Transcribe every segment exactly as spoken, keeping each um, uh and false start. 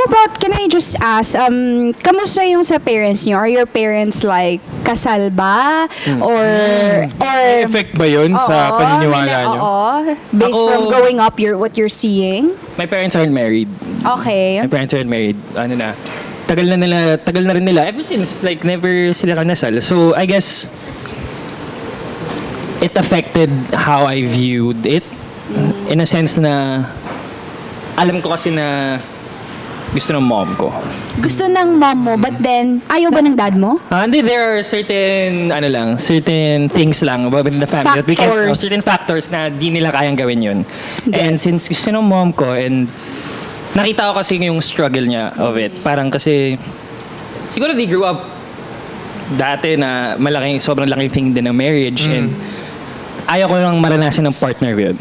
about, can I just ask, um, kamusta yung sa parents niyo? Are your parents like, kasal ba? Or, or... May effect ba yun sa Oo, paniniwala may- nyo? Oo. Based Ako- from growing up, you're, what you're seeing? My parents aren't married. Okay. My parents aren't married. Ano na, tagal na nila, tagal na rin nila. Ever since, like, never sila kanasal. So, I guess, it affected how I viewed it. In a sense na, alam ko kasi na gusto ng mom ko. Gusto ng mom mo, but then, ayaw ba ng dad mo? Ah, hindi, there are certain, ano lang, certain things lang within the family that we can, oh, Factors. certain factors na di nila kayang gawin yun. And Gets. since gusto ng mom ko, and nakita ko kasi yung struggle niya of it. Parang kasi, siguro they grew up dati na malaking, sobrang laking thing din ng marriage, and ayaw ko lang maranasan ng partner ko yun.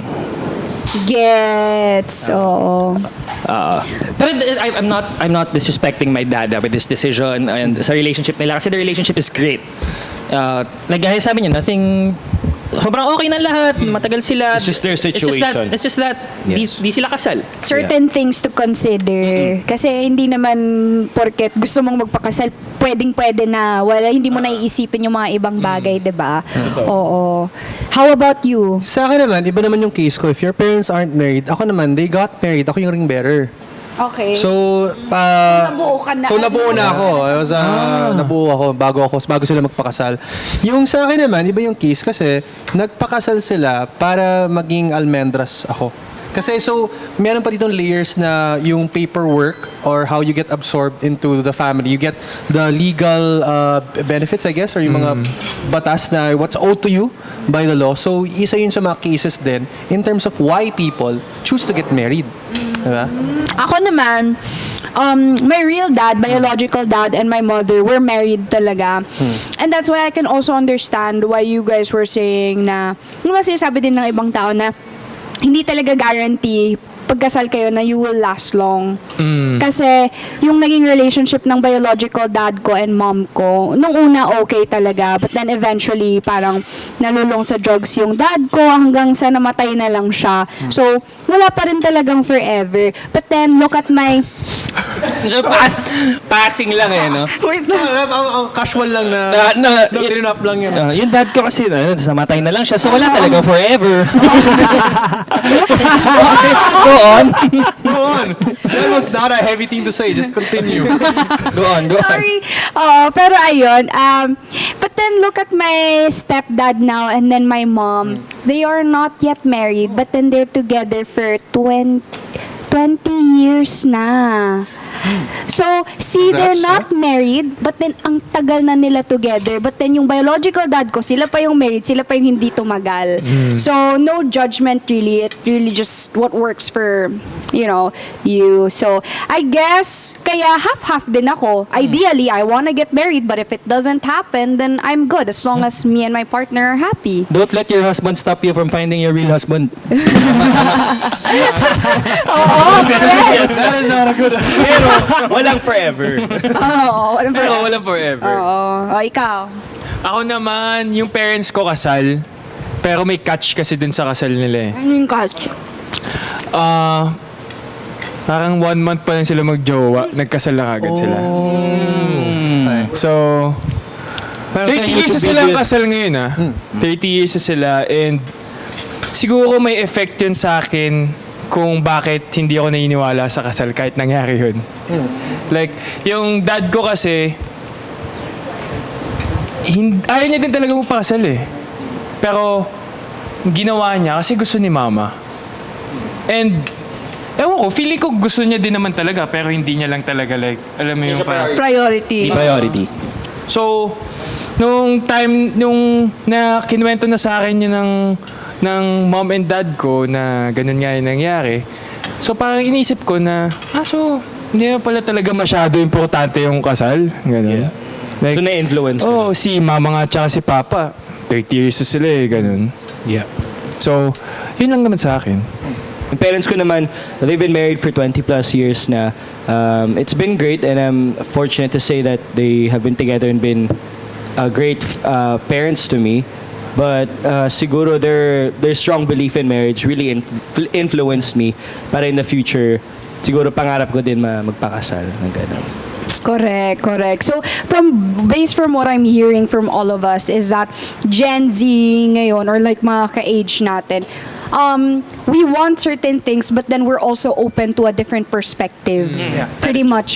Gets. Oo. Uh, pero I, I'm not I'm not disrespecting my dad uh, with this decision and sa relationship nila kasi the relationship is great. Uh, like gaya sabi niya, nothing sobrang okay na lahat, matagal sila. It's just their It's just that, situation. it's just that di, Yes. di sila kasal. Certain things to consider. Kasi hindi naman porket gusto mong magpakasal, pwedeng-pwede na. Wala, hindi mo naiisipin yung mga ibang bagay, di ba? Oo. How about you? Sa akin naman, iba naman yung case ko. If your parents aren't married, ako naman, they got married. Ako yung ring bearer. Okay. So, pa... Nabuo ka na. So, nabuo na ako. I was, uh, Nabuo ako bago ako, bago sila magpakasal. Yung sa akin naman, iba yung case kasi nagpakasal sila para maging almendras ako. Kasi so, meron pa ditong layers na yung paperwork or how you get absorbed into the family. You get the legal uh, benefits, I guess, or yung mga batas na what's owed to you by the law. So, isa yun sa mga cases din in terms of why people choose to get married. Diba? Ako naman, um, my real dad, biological dad, and my mother were married talaga. And that's why I can also understand why you guys were saying na, yung mga sinasabi din ng ibang tao na, hindi talaga guarantee pagkasal kayo na you will last long. Kasi yung naging relationship ng biological dad ko and mom ko, nung una okay talaga, but then eventually parang nalulong sa drugs yung dad ko hanggang sa namatay na lang siya. So, wala pa rin talagang forever. But then, look at my... So, pass, passing lang eh, no? Wait lang. Ah, ah, ah, casual lang na, Na, na, na tinap lang yun. Uh, yung dad ko kasi, uh, namatay na lang siya. So, wala talaga forever. Go on. Go on. That was not a heavy thing to say. Just continue. Go on, go on. Sorry. Oh, pero ayun. Um, but then look at my stepdad now and then my mom. They are not yet married, but then they're together for twenty, twenty years na. So, see, they're Congrats, not married, but then ang tagal na nila together. But then yung biological dad ko, sila pa yung married, sila pa yung hindi tumagal. So, no judgment really. It really just what works for, you know, you. So, I guess, kaya half-half din ako. Ideally, I wanna get married, but if it doesn't happen, then I'm good as long as me and my partner are happy. Don't let your husband stop you from finding your real husband. Oo, correct. That is not a good... Pero, walang forever. Oo, walang Pero problema. walang forever. Oo. O, ikaw. Ako naman, yung parents ko kasal, pero may catch kasi dun sa kasal nila eh. Ano yung catch? Ah, parang one month pa lang sila mag-jowa, nagkasal na agad sila. So, thirty years na silang kasal ngayon ah. thirty years na sila and siguro may effect yun sa akin kung bakit hindi ako naniniwala sa kasal kahit nangyari yun. Like, yung dad ko kasi, hin- ayaw niya din talaga magpakasal eh. Pero, ginawa niya kasi gusto ni mama. And, ewan ko, feeling ko gusto niya din naman talaga pero hindi niya lang talaga like, alam mo yung parang... Priority. Priority. So, nung time, nung na kinuwento na sa akin yun ng, ng mom and dad ko na ganun nga yung nangyari, so parang inisip ko na, ah, so, hindi na pala talaga masyado importante yung kasal. Ganun. Like, So, na-influence oh, si mama nga tsaka si papa, thirty years na sila eh, ganun. Yeah. So, yun lang naman sa akin. Yung parents ko naman, they've been married for twenty plus years na. Um, it's been great and I'm fortunate to say that they have been together and been uh, great uh, parents to me. But uh, siguro their their strong belief in marriage really influ- influenced me para in the future siguro pangarap ko din ma- magpakasal ng gano'n. Correct, correct. So, from based from what I'm hearing from all of us is that Gen Z ngayon or like mga ka-age natin, um, we want certain things but then we're also open to a different perspective. Pretty much